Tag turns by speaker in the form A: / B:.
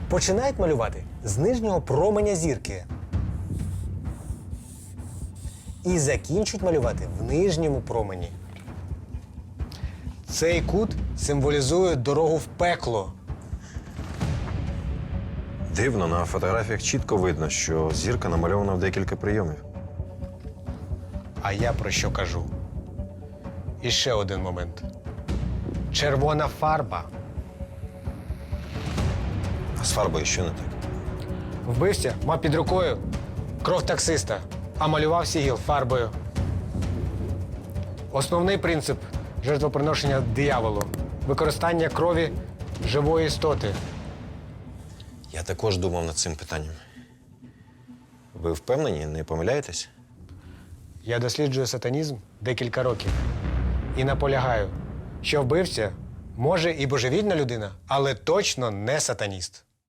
A: Починають малювати з нижнього променя зірки. І закінчують малювати в нижньому промені. Цей кут символізує дорогу в пекло.
B: Дивно, на фотографіях чітко видно, що зірка намальована в декілька прийомів.
A: А я про що кажу? І ще один момент. Червона фарба.
B: А з фарбою що не так?
A: Вбивця мав під рукою кров таксиста, а малював сігіл фарбою. Основний принцип жертвоприношення дияволу – використання крові живої істоти.
B: Я також думав над цим питанням. Ви впевнені, не помиляєтесь?
A: Я досліджую сатанізм декілька років і наполягаю, що вбивця може і божевільна людина, але точно не сатаніст.